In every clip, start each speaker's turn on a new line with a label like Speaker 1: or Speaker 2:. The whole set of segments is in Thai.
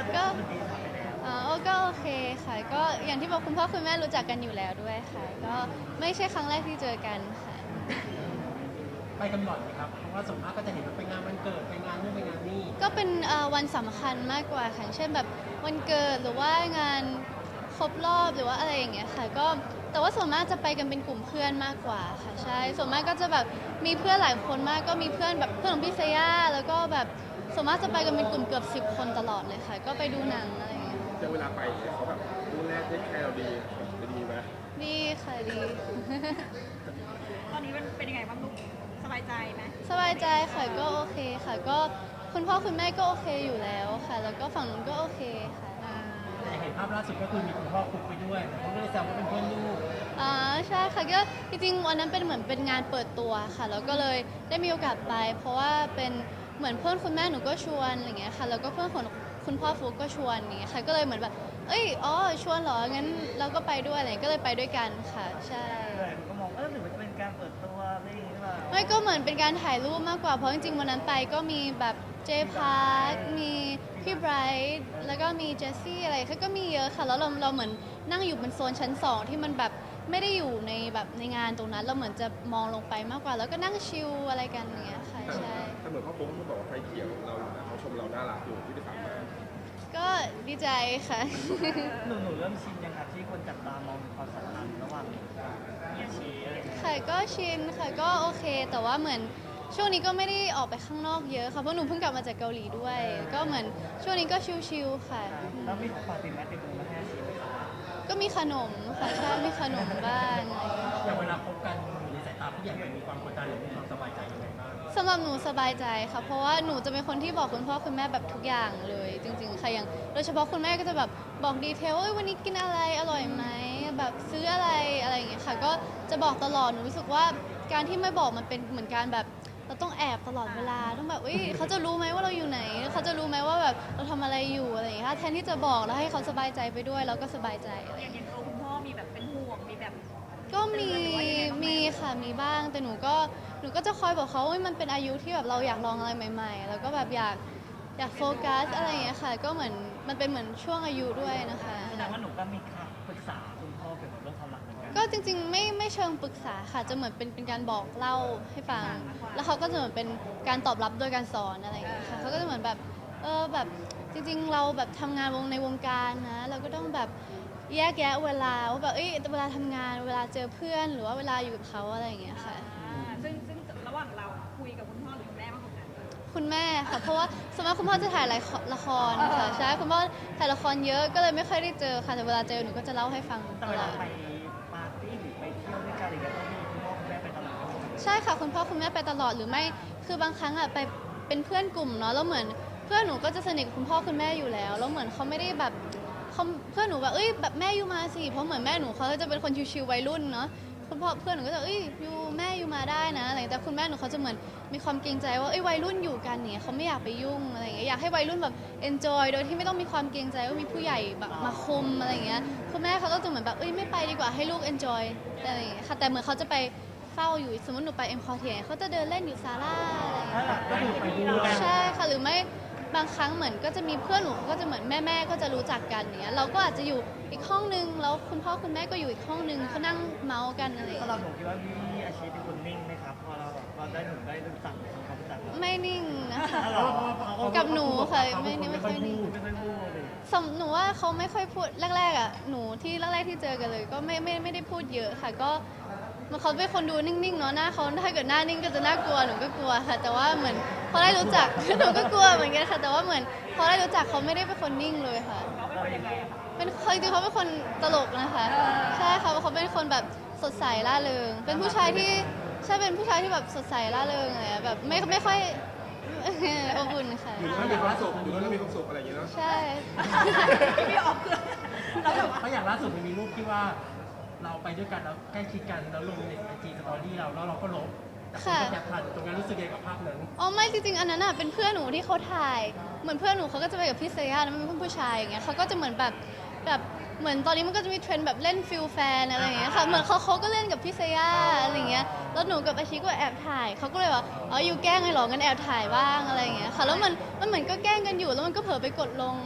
Speaker 1: ก็ก็โอเคค่ะก็อย่างที่บอกคุณพ่อคุณแม่รู้จักกันอยู่แล้วด้วยค่ะก็ไม่ใช่ครั้งแรกที่เจอกันค่ะ
Speaker 2: ไปกันบ่อยไหมครับเพราะว่าส่วนมากก็จะเห็นว่าไปงานวันเกิดไปงานนู่นไปงานนี่
Speaker 1: ก็เป็นวันสำคัญมากกว่าค่ะเช่นแบบวันเกิดหรือว่างานครบรอบหรือว่าอะไรอย่างเงี้ยค่ะก็แต่ว่าส่วนมากจะไปกันเป็นกลุ่มเพื่อนมากกว่าค่ะใช่ส่วนมากก็จะแบบมีเพื่อนหลายคนมากก็มีเพื่อนแบบเพื่อนของพี่เซย่าแล้วก็แบบส่วนมากจะไปกันเป็นกลุ่มเกือบ10 คนตลอดเลยค่ะก็ไปดูหนังอะไรอย่างเงี้ย
Speaker 3: แต่เวลาไปเนี่ยเขาแบบดูแลเทคแคร์เราดีดีไหม
Speaker 1: ดีค่ะดี
Speaker 4: ตอนนี้มันเป็นยังไงบ้างลูกสบายใจไหม
Speaker 1: สบายใจค่ะก็โอเคค่ะก็คุณพ่อคุณแม่ก็โอเคอยู่แล้วค่ะแล้วก็ฝั่งนู้นก็โอเคค่ะ
Speaker 2: แต่เห็นภาพล่าสุดก็คือมีคุณพ่อคุกไปด้วยเขาก็เลยแซวว่าเป็นเพื่อนลูก
Speaker 1: อ่าใช่ค่ะก็จริงๆวันนั้นเป็นเหมือนเป็นงานเปิดตัวค่ะแล้วก็เลยได้มีโอกาสไปเพราะว่าเป็นเหมือนเพื่อนคุณแม่หนูก็ชวนอะไรเงี้ยค่ะแล้วก็เพื่อนของคุณพ่อฟุกก็ชวนอย่างเงี้ยค่ะก็เลยเหมือนแบบเอ้ยอ๋อชวนเหรองั้นเราก็ไปด้วยอะไรก็เลยไปด้วยกันค่ะใช่
Speaker 5: เลยผมก็มองหรือมันจะเป็นการเปิดตัวอะไรอย่างนี้หรือเปล่า
Speaker 1: ไม่ก็เหมือนเป็นการถ่ายรูปมากกว่าเพราะจริงๆวันนั้นไปก็มีแบบเจพาร์คมีพี่ไบรท์แล้วก็มีเจสซี่อะไรเขาก็มีเยอะค่ะแล้วเราเหมือนนั่งอยู่บนโซนชั้น2ที่มันแบบไม่ได้อยู่ในแบบในงานตรงนั้นเราเหมือนจะมองลงไปมากกว่าแล้วก็นั่งชิลอะไรกันอย่างเงี้ยค่ะใช่
Speaker 3: แต่เหมือนพ่อปุ๊กเขาบอกว่าไฟเขียวเราอยู่นะเขาชมเราน่ารักอยู่ที่ไปถามมา
Speaker 1: ก็ดีใจค่ะ
Speaker 5: หนูเริ่มชินยังครับที่คนจับตามองความสัมพันธ์ระหว่างเฮียชีอะไรอย่างเงี้ย
Speaker 1: ค่ะก็ชินค่ะก็โอเคแต่ว่าเหมือนช่วงนี้ก็ไม่ได้ออกไปข้างนอกเยอะค่ะเพราะหนูเพิ่งกลับมาจากเกาหลีด้วยก็เหมือนช่วงนี้ก็ชิลๆค่ะ
Speaker 5: แล้วมีของฝากติดไม้ติดมือมาให้อาชีไหมครับ
Speaker 1: ก็มีขนมค่ะใช่มีขนมบ้างอะไรอย่างเงี้ย
Speaker 2: อย่างเวลาคบกันในสายตาผู้ใหญ่มันมีความกดดันหรือมีความสบายใจยังไงบ้าง
Speaker 1: สำหรับหนูสบายใจค่ะเพราะว่าหนูจะเป็นคนที่บอกคุณพ่อคุณแม่แบบทุกอย่างเลยจริงๆค่ะอย่างโดยเฉพาะคุณแม่ก็จะแบบบอกดีเทลว่าวันนี้กินอะไรอร่อยไหมแบบซื้ออะไรอะไรอย่างเงี้ยค่ะก็จะบอกตลอดหนูรู้สึกว่าการที่ไม่บอกมันเป็นเหมือนการแบบเราต้องแอบตลอดเวลาต้องแบบเขาจะรู้ไหมว่าเราอยู่ไหนเขาจะรู้ไหมว่าแบบเราทำอะไรอยู่อะไรอย่างเงี้ยแทนที่จะบอกแล้วให้เขาสบายใจไปด้วยเราก็สบายใจอะไรอย่างเงี้ย
Speaker 4: อย่างตัวคุณพ่อมีแบบเป็นห่วงมีแบบ
Speaker 1: ก็มีค่ะมีบ้างแต่หนูก็จะคอยบอกเขาว่ามันเป็นอายุที่แบบเราอยากลองอะไรใหม่ๆแล้วก็แบบอยากโฟกัสอะไรอย่างเงี้ยค่ะก็เหมือนมันเป็นเหมือนช่วงอายุด้วยนะคะ
Speaker 5: แสดงว่าหนูก็มีคำปรึกษาคุณพ่อเกี่ยวกับเรื่องความรักเหมือนกัน
Speaker 1: ก็จริงๆไม่เชิงปรึกษาค่ะจะเหมือนเป็นการบอกเล่าให้ฟังแล้วเขาก็จะเหมือนเป็นการตอบรับโดยการสอนอะไรอย่างเงี้ยค่ะเขาก็จะเหมือนแบบแบบจริงๆเราแบบทำงานในวงการนะเราก็ต้องแบบแยกแยะเวลาว่าแบบเวลาทำงานเวลาเจอเพื่อนหรือว่าเวลาอยู่กับเขาอะไรอย่างเงี้ยค่ะ
Speaker 4: ซึ่งระหว่างเราคุยกับคุณพ่อหรือคุณแม่มากกว่ากัน
Speaker 1: คุณแม่ค่ะเพราะว่าสมมติคุณพ่อจะถ่ายละครค่ะใช่คุณพ่อถ่ายละครเยอะก็เลยไม่ค่อยได้เจอค่ะแต่เวลาเจอหนูก็จะเล่าให้ฟัง
Speaker 5: แต่
Speaker 1: ตลอด
Speaker 5: เวลาไปปาร์ตี้หรือไปเที่ยวด้วยกันอะไรอย่างเงี้ยต้องมีคุณพ่อคุณแม่ไปตลอด
Speaker 1: ใช่ค่ะคุณพ่อคุณแม่ไปตลอดหรือไม่คือบางครั้งอ่ะไปเป็นเพื่อนกลุ่มเนาะแล้วเหมือนเพื่อนหนูก็จะสนิทกับคุณพ่อคุณแม่อยู่แล้วแล้วเหมือนเขาไม่ได้แบบเขาเพื่อนหนูแบบแบบแม่อยู่มาสิเพราะเหมือนแม่หนูเขาจะเป็นคนชิวๆวัยรุ่นเนาะคุณพ่อเพื่อนหนูก็จะอยู่แม่อยู่มาได้นะอะไรแต่คุณแม่หนูเขาจะเหมือนมีความเกรงใจว่าวัยรุ่นอยู่กันเนี่ยเขาไม่อยากไปยุ่งอะไรอย่างเงี้ยอยากให้วัยรุ่นแบบ enjoy โดยที่ไม่ต้องมีความเกรงใจว่ามีผู้ใหญ่แบบมาคุมอะไรอย่างเงี้ยคุณแม่เขาก็จะเหมือนแบบไม่ไปดีกว่าให้ลูก enjoy อะไรอย่างเงี้ยค่ะแต่เหมือนเขาจะไปเฝ้าอยู่สมมติหนูไปเอ็มคอเทียเขาจะเดินเล่นอยู่ศาลาอะไรอย่างเงี้ย
Speaker 2: ก็คือไปด้วย
Speaker 1: ใช่ค่ะหรือไม่บางครั้งเหมือนก็จะมีเพื่อนหนูก็จะเหมือนแม่ก็จะรู้จักกันเนี้ยเราก็อาจจะอยู่อีกห้องนึงแล้วคุณพ่อคุณแม่ก็อยู่อีกห้องนึงเขานั่งเมาส์กันอะไรอย่าง
Speaker 5: สำหรับ
Speaker 1: เงี้ย
Speaker 5: หนูคิดว่าพี่อาชีพเป็นคนนิ่งไหมครับพอเราแบบเราได้หนูได้รู้จักทำความรู้จักเรา
Speaker 1: ไม่นิ่งนะคะ
Speaker 5: หรอ
Speaker 1: กับหนูค่ะไม่ค่อยนิ่ง
Speaker 5: ไม่ค่อยพูดเลย
Speaker 1: หนูว่าเขาไม่ค่อยพูดแรกๆอ่ะหนูที่แรกๆที่เจอกันเลยก็ไม่ได้พูดเยอะค่ะก็มันเขาเป็นคนดูนิ่งๆเนาะหน้าเขาถ้าเกิดหน้านิ่งก็จะน่ากลัวหนูก็กลัวค่ะแต่ว่าเหมือนพอได้รู้จัก หนูก็กลัวเหมือนกันค่ะแต่ว่าเหมือนพอได้รู้จักเขาไม่ได้เป็นคนนิ่งเลยค่ะ
Speaker 4: เขาเป็นคนยังไงอะคะ
Speaker 1: เป็นจริงๆเขาเป็นคนตลกนะคะใช่ค่ะเขาเป็นคนแบบสดใสร่าเริงเป็นผู้ชายที่ใช่เป็นผู้ชายที่แบบสดใสร่าเริงอะไรอะแบบไม่ค่อย อบอุ่นค่ะ
Speaker 3: อยู่แล้วมีความสุขอยู่แล้วมีความสุขอะไรอย่างเงี้ยเนาะ
Speaker 1: ใช่
Speaker 4: พี่ออกคือเราแบบว่า
Speaker 2: เพราะอย่างล่าสุดมันมีรูปที่ว่าเราไปด้วยกันแล้วใกล้ชิดกันแล้วลงในไอจีสตอรี่เราแล้วเราก็ลบแต่คนก็แคปทันตรงนั้นรู้สึกยังไงกับภาพนั้น
Speaker 1: อ๋อไม่จริงๆอันนั้นอ่ะเป็นเพื่อนหนูที่เขาถ่ายเหมือนเพื่อนหนูเขาก็จะไปกับพี่เซย่าแล้วมันเป็นเพื่อนผู้ชายอย่างเงี้ยเขาก็จะเหมือนแบบเหมือนตอนนี้มันก็จะมีเทรนด์แบบเล่นฟิลแฟนอะไรอย่างเงี้ยค่ะเหมือนเขาก็เล่นกับพี่เซย่าอะไรอย่างเงี้ยแล้วหนูกับอาชิก็แอบถ่ายเขาก็เลยว่าอยู่แกล้งไงหรองั้นแอบถ่ายบ้างอะไรอย่างเงี้ยค่ะแล้วมันเหมือนก็แกล้งกันอยู่แล้วมันก็เผลอไปกดลงอะไรอย่างเงี้ย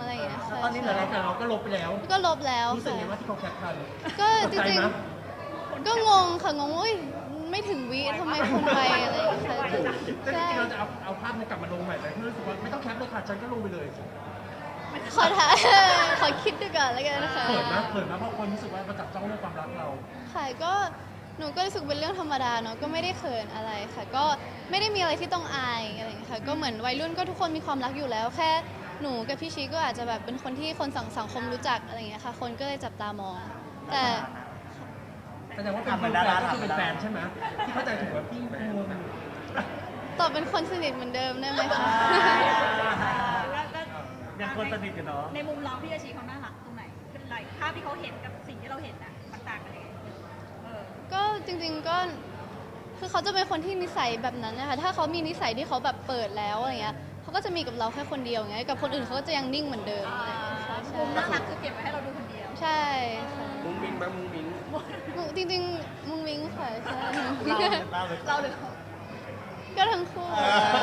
Speaker 5: แล้วตอนนี้เหลื
Speaker 2: แต่
Speaker 5: ออะไร
Speaker 2: เราก็ลบไปแล้ว
Speaker 1: ก็ลบแล้ว
Speaker 2: รู้สึก
Speaker 1: ค่ะ
Speaker 2: ไงว่าที่เขาแคปทัน
Speaker 1: ก็จ
Speaker 2: ตกใจ
Speaker 1: ริง
Speaker 2: ไหม
Speaker 1: ๆก็งงค่ะงงว่าอุ๊ยไม่ถึงวิทำไมคนไวอะไรอย่างเงี้ยค่ะ
Speaker 2: แต่จ
Speaker 1: ใช่
Speaker 2: ริงๆเราจะเอาภาพนี้กลับมาลงใหม่ไหมเพื่อรู้สึกว่าไม่ต้องแคปเลยค่ะฉันก็ลงไปเลย
Speaker 1: ขอถ่าย ขอคิดดูก่อนแล้วกันนะคะ
Speaker 2: เขินนะเพราะคนรู้สึกว่ามาจับจ้องเรื่องความรักเรา
Speaker 1: ค่ะก็หนูก็รู้สึกเป็นเรื่องธรรมดาเนาะก็ไม่ได้เขินอะไรค่ะ ก็ไม่ได้มีอะไรที่ต้องอายอะไรอย่างเงี้ยค่ะก็เหมือนวัยรุ่นก็ทุกคนมีความรักอยู่แล้ว แค่หนูกับพี่ชีก็อาจจะแบบเป็นคนที่คนสังคมรู้จักอะไรอย่างเงี้ยค่ะ คนก็เลยจับตามอง แต่
Speaker 2: แสดงว่าเป็นแฟนก็คือเป็นแฟนใช่ไหมที่เข้าใจถูกว่าพี่งง
Speaker 1: ตอบเป็นคนสนิทเหมือนเดิมได้ไหมคะ
Speaker 4: แล้วก็
Speaker 5: ยังคนสนิทอยู่เนาะ
Speaker 4: ในมุมเราพี่อาชีเขาน่ารักตรงไหนเป็นไรภาพที่เขาเห็นกับสิ่งที่เราเห็นน่ะมันต่างกันยังไงเออ
Speaker 1: ก็จริงๆก็คือเขาจะเป็นคนที่นิสัยแบบนั้นนะคะถ้าเขามีนิสัยที่เขาแบบเปิดแล้วอะไรเงี้ยเขาก็จะมีกับเราแค่คนเดียวไงกับคนอื่นเขาก็จะยังนิ่งเหมือนเดิมอะไรอย่างเงี้ยค่ะ
Speaker 4: มุมน่ารักคือเก็บไว้ให้เราดูคนเดียว
Speaker 1: ใช่ค่ะ
Speaker 3: มุ้งมิ้งบ้างมุ้งมิ้ง
Speaker 1: จริงๆมุงมิงค่ะใช่
Speaker 5: เราเลย
Speaker 4: เราหรือเขา
Speaker 1: ก็ทั้งคู่
Speaker 5: เออ